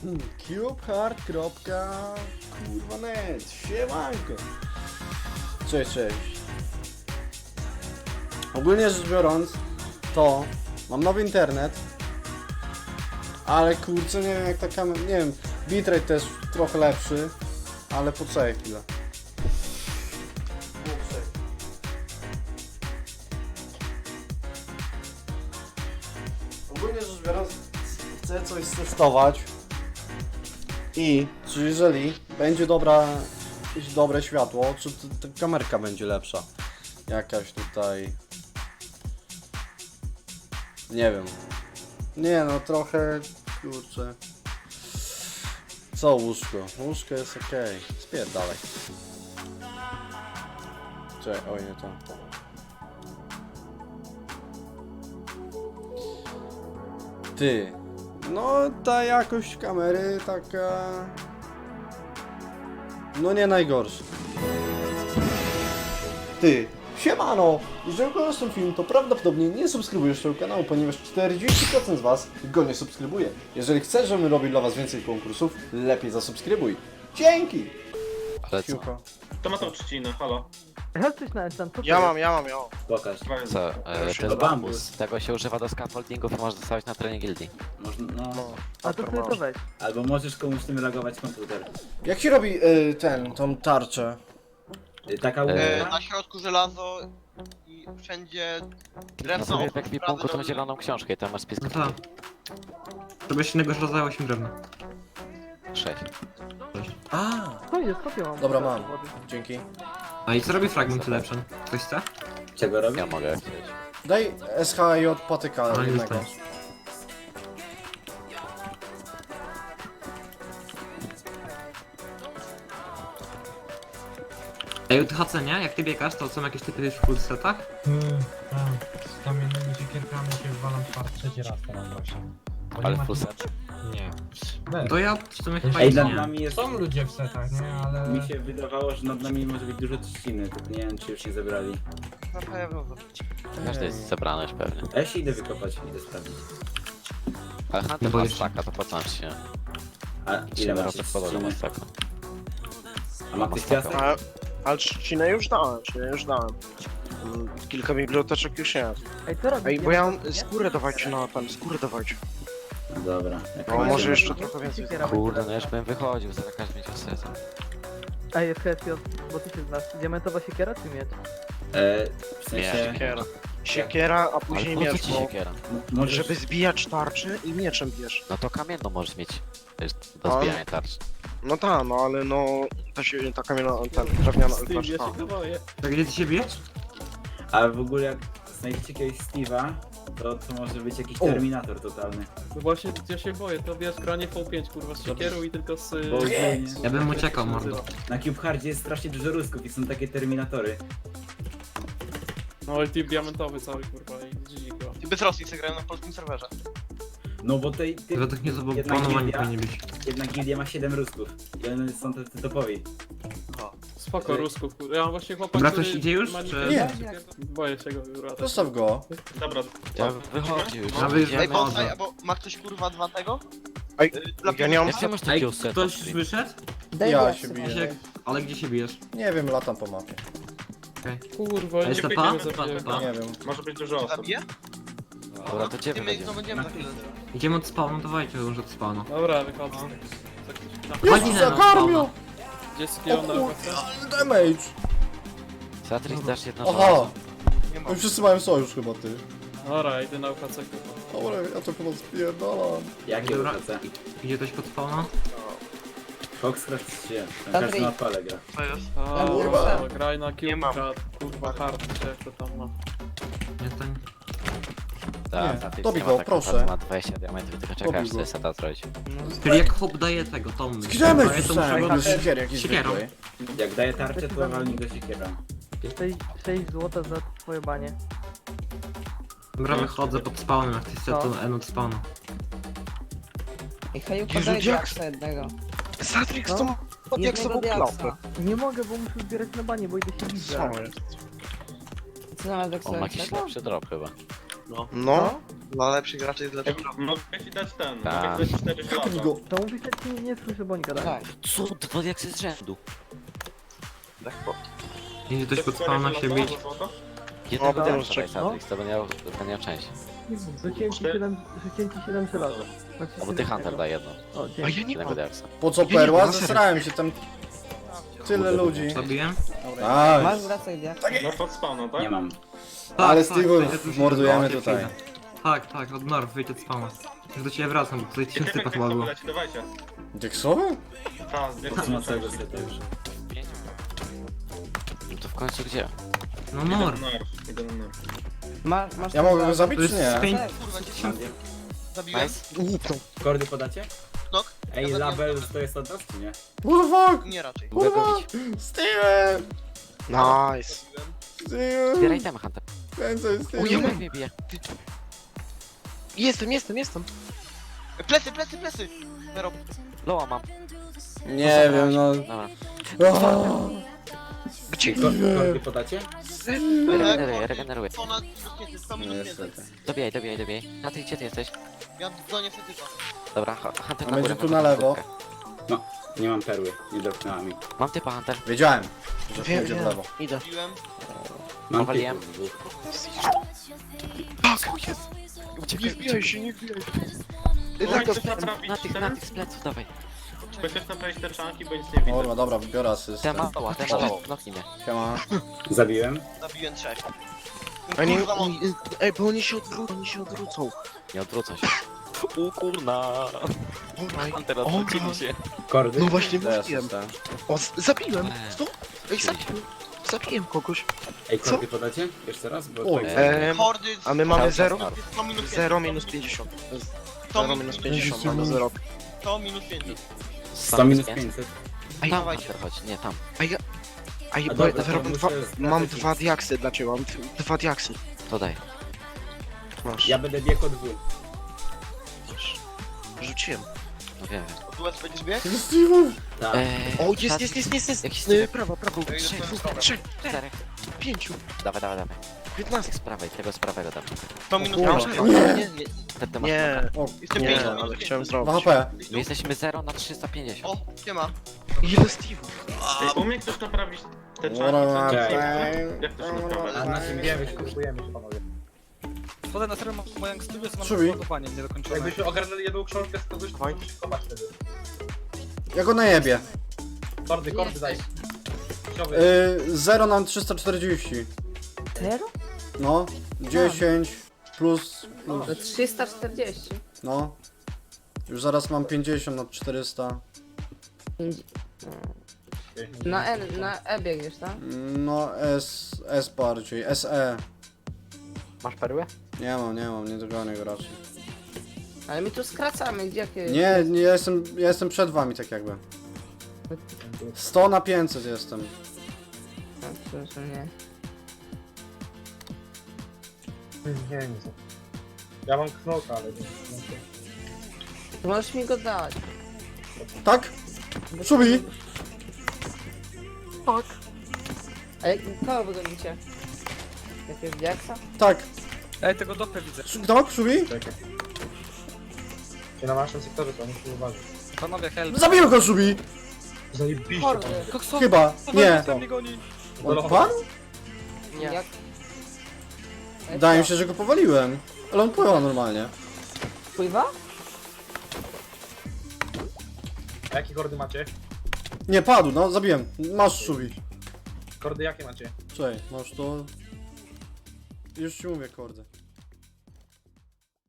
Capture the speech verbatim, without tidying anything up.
Cubehard. Kurwa net, siemanko. Cześć, cześć. Ogólnie rzecz biorąc, to mam nowy internet, ale kurczę, nie wiem jak ta kamera, nie wiem, bitrate też trochę lepszy, ale poczekaj chwilę. Ogólnie rzecz biorąc, chcę coś testować i czy jeżeli będzie dobra, jakieś dobre światło, czy t- ta kamerka będzie lepsza, jakaś tutaj, nie wiem, nie no trochę, kurczę, co łóżko, łóżko jest ok, spierdalaj, czekaj, oj nie to. Ty, no ta jakość kamery taka, no nie najgorsza. Ty, siemano! Jeżeli oglądasz ten film, to prawdopodobnie nie subskrybujesz tego kanału, ponieważ czterdzieści procent z was go nie subskrybuje. Jeżeli chcesz, żebym robił dla was więcej konkursów, lepiej zasubskrybuj. Dzięki! Ale co? Siłko. To ma tą trzcinę, halo. Ja coś na enchant, co to Ja jest? mam, ja mam, ja mam. Pokaż. Co? E, to jest To bambus. bambus. Tego się używa do scaffoldingów i możesz dostawać na terenie gildii. Można, no. No, A to sobie to weź. Albo możesz komuś tym logować komputer. Jak się robi y, ten, tą tarczę? Y, Taka E, łódka. E, na środku żelazo i wszędzie No drewno. sobie w ekwipunku tą prawy, zieloną książkę i tam masz spis No tak. To byś innego rodzaju osiem drewna. sześć. A, To jest, kopię mam. dobra mam, dzięki. A i co robi fragment lepszy? Ktoś chce? Czego robi? Ja mogę chcieć. Daj S H J patyka A, już jednego. tak. Ej, u T H C nie? Jak ty biegasz, to są jakieś typy w full setach? Hmm, tak. Z kamiennymi siekierkami się walam czwarty, trzeci raz teraz właśnie. Bo nie Ale ma full tu- set? Nie. Weź. To ja w sumie chyba Ej, Ej, ich nad nie. nami jest... Są ludzie w setach, nie? Ale... Mi się wydawało, że nad nami może być dużo trzciny, tylko nie wiem czy już nie zebrali. Na pewno. Każdy jest zebrany już pewnie. A ja się idę wykopać, idę sprawdzić. Ale No Hunter bo ma jeszcze- staka, to po co nam się? A ile Ile macie razy wkładał do trzciny? staka? A ma ktoś Mastaka. piasek? A, ale trzcinę już dałem, trzcinę już dałem. Mm, Kilka biblioteczek już jest. Ej, co robisz? Ej, bo ja mam skórę dawajcie na ten, skórę dawajcie. No dobra. Jak No macie- może jeszcze trochę więcej. Siekiera Kurde, będzie no już bym wychodził, za każdy będzie seta. Ej, jest H S J, bo ty się znasz. Diamentowa siekiera czy miecz? E, w sensie... Siekiera. Siekiera, a Ale później po co miecz, ci bo... siekiera? m- Możesz... Żeby zbijać tarczę i mieczem bierz. No to kamienną możesz mieć. To jest do A? zbijania tarcz. No tak, no ale no... Ta, się, ta kamienna, ten drewniana... Z tym Znaczy, ja ta. się boję. Tak gdzie ty się bijesz? A w ogóle jak znajdziecie jakiegoś Steve'a, to, to może być jakiś O. Terminator totalny. No właśnie, ja się boję, to wiesz, granie V pięć kurwa z siekierą i tylko z... Bo nie. Ja bym uciekał, mordo. Na Cubehardzie jest strasznie dużo rusków i są takie Terminatory. No i team diamentowy cały kurwa i G G go. Ty bez Rosji se grają na polskim serwerze. No bo tej... tej Według mnie to było jedna planowanie gildia- powinien być. Jedna gildia ma siedem rusków. I one są tacy topowi. Spoko, Ej. rusków kurwa. Ja mam właśnie chłopak, Dobra, który ktoś idzie już, ma czy- nikę- Nie. Boję się go kurwa. Zostaw go. Dobra, Ja wychodził już. A wy już Ej, Idziemy. bonsai, albo ma ktoś kurwa dwa tego? Ej, Ja nie mam... Jak ty masz Ej, takiego seta? ktoś już wyszedł? Ja się biję. Gdzie, ale gdzie się bijesz? Nie wiem, latam po mapie. kurwa, A nie jest to pięknie pan? go zabiję. Pan, pan. Nie wiem. Może być dużo osób. Zabiję? Dobra, to cię Ty my wychodzimy. no będziemy za chwilę. Idziemy od spawnu, dawajcie już od spawnu. Dobra, wychodzę. Chodź Jezu, na zakarmił! Gdzie jest O skill na kurde, uwagę? ale damage! Satrix dasz jedno Aha! żelazo. Nie ma. Oni wszyscy mają sojusz chyba, ty. Dobra, idę na U H C kurwa. Dobra, ja to chyba spierdalam. Jakie Dobra. U H C? Idzie ktoś pod spawna? Foxcraft się. Tam każdy na odpale gra. Co jest? A, kurwa. kurwa, graj na Nie mam. kilka, kurwa, hard, czy jak to tam ma. Nie, to nie. Tak, Nie, Satrix dobij nie ma go, tak proszę. naprawdę, ma dwadzieścia diamentów, tylko czeka Dobij aż sobie go. seta zrobić. Czyli jak chłop daje tego, to my. Zgramy Daje, to wrzucałem, muszę go- jakby siekiery jakieś Siekierą. zwykłej. Jak daje tarczę, to walni go siekiera. sześć złota za twoje banie. Dobra, wychodzę pod spawnem, jak ty set to N od spawnu. Ej, Haju, Jezu, podaj jak- diaksa jednego. Satrix No. to ma pod jak Jednego sobą klapę. diaksa. Nie mogę, bo muszę zbierać na banie, bo idę się bić. Co jest? Co nawet On ma diaksa jakiś jednego? lepszy drop chyba. No. No. Dla lepszych graczy jest lepszy. Mogę ci dać ten, Tak. mogę ci dać cztery Kup mi żelaza. go. To mówisz, że ci nie słyszę, bo oni gadają. Tak. Co? Dwa diaksy z rzędu. Idzie ktoś pod spawna się bić. Jednego No, diaksa czek- daj Satrix, to będzie miał, to będzie miał część. Rzuciłem ci siedem, rzuciłem ci siedem żelaza. Znaczy Albo ty siedem Hunter tego. daj jedno. O, A dzięki. ja nie Jednego mam. diaksa. Po co perła? Zesrałem się tam. Tyle ludzi. Zabiłem? Tak. Masz wracaj, dia. No pod spawna, tak? Nie mam. Ale tak, Steve'ów to ja tu się- mordujemy no, ja tutaj. przyjdę. Tak, tak, od Norw, wyjdź od spawna. Już do ciebie wracam, bo tutaj trzech typów chyba było. Leci, dawajcie. Deksowy? Ta, z Po co ma całego seta już? No to w końcu gdzie? No Idę na Norw. nerw, idę na nerw. Ma, masz Ja mogę go zabić To czy jest nie? pięć... Nice. Kordy podacie? Nok. Ej, label to jest od nas, czy nie? What the fuck? Nie raczej. Mogę go bić. Steven! Nice. Steven! Zbieraj temy, Hunter. Więcej O, ja Steven! mam- Jak mnie bije? Jestem, jestem, jestem. Plecy, plecy, plecy! Zero. Loa mam. Nie wiem, no... Dobra. O, Gdzie? Ko- Kordy podacie? Regeneruję, regeneruję. To na minus pięćset, sto minus pięćset. niestety. Dobijaj, dobijaj, dobijaj. A ty gdzie ty jesteś? Ja w zonie fetyka. Dobra, Hu- Hunter A na będzie górę. tu mam na lewo. krótkę. No, nie mam perły, nie dropnęła mi. Mam typa, Hunter. Wiedziałem, że Wiem, pójdzie w wiem. lewo. Idę. Piłem. Mam Powaliłem. typów dwóch. Nie wbijaj się, nie wbijaj się. Chcesz Na tych, naprawić na tych, te? na tych z pleców, dawaj. Chcesz naprawić te czanki, bo nic nie widzę. Dobra, dobra, wybiorę asystę. Ten ma loa, ten ma loa. Knoknij mnie. Siema. Zabiłem. Zabiłem trzech. A nie, Kurwa, mam- oni- ej, bo oni się odwrócą, oni się odwrócą. Nie odwrócą się. U kurna. Hunter, odwrócili się. Kordy? No właśnie Daj mówiłem. asystę. O, z- zabiłem. Eee. Co? Ej, zabiłem. Zabiłem kogoś. Ej, kordy podacie? Jeszcze raz? Bo Oj. tak- Eee, Hordy. a my mamy Cały czas zero? Norw. sto minus pięćdziesiąt. zero minus pięćdziesiąt. sto zero minus pięćdziesiąt, mamy zero. sto minus pięćdziesiąt. sto minus pięćset. Ej, Tam dawajcie. Hunter chodź, nie tam. A ja... A ja, A bo dobra, ja to mam, muszę dwa, strategicznie- mam dwa diaksy dla ciebie, mam d- dwa diaksy. To daj. Masz. Ja będę biegł od dwóch. Masz. Rzuciłem. No wiem, wiem. Tu S będziesz biegł? Steven! Tak. Eee, O, jest, Satrix, jest, jest, jest, jest. Jakiś Yy, typ. prawo, prawo. Ej, Trzech, dostałem trzech, czterech. pięciu, Dawaj, dawaj, dawaj. piętnaście. Z prawej, tego z prawego dam. sto minus kurwa. pięćdziesiąt. Nie, Nie. nie, nie, Ten ty masz nie, O, Jestem nie, pięćdziesiąt ale minus chciałem pięćdziesiąt. dwa zrobić. H P. My jesteśmy zero na trzysta pięćdziesiąt. O, nie ma. Ile Steve'ów? Ej, umie ktoś naprawić te czanki? Dobra, co- Cześć. Jak to się naprawia? A na czym wiemy, kupujemy się panowie. Wodę na serio moją studiu, co mam Szubi. ładowanie niedokończone. Jakbyśmy ogarnęli jedną książkę z kogoś, to byś zobacz wtedy. Ja go najebie. Kordy, kordy daj. Yy, zero na trzysta czterdzieści. Zero? No, dziesięć plus, plus, To trzysta czterdzieści. no. Już zaraz mam pięćdziesiąt na czterysta. Na N, na E biegniesz, tak? No, S, S bardziej, S E. Masz perłę? Nie mam, nie mam, nie dogonię go raczej. Ale my tu skracamy, gdzie jakie... Nie, nie, ja jestem, ja jestem przed wami tak jakby. sto na pięćset jestem. No, przepraszam, nie. Nie wiem co. Ja mam knoka, ale nie. To możesz mi go dać. Tak? Szubi! A jak, kogo wygonicie? Jakiegoś diaksa? Tak. Ej, tego dopę widzę. Szu- Tak, Szubi? I na naszym sektorze to muszę uważać. Panowie, help. Zabiłem go, Szubi! Zajebiście. Hordy. Koksowy, Chyba, nie. Ten mnie goni. On padł? Nie. Jak? Wydaje mi się, że go powaliłem. Ale on pływa normalnie. Pływa? A jakie kordy macie? Nie, padł, no, zabiłem. Masz, Szubi. Kordy jakie macie? Czekaj, masz to... Już ci mówię kordy.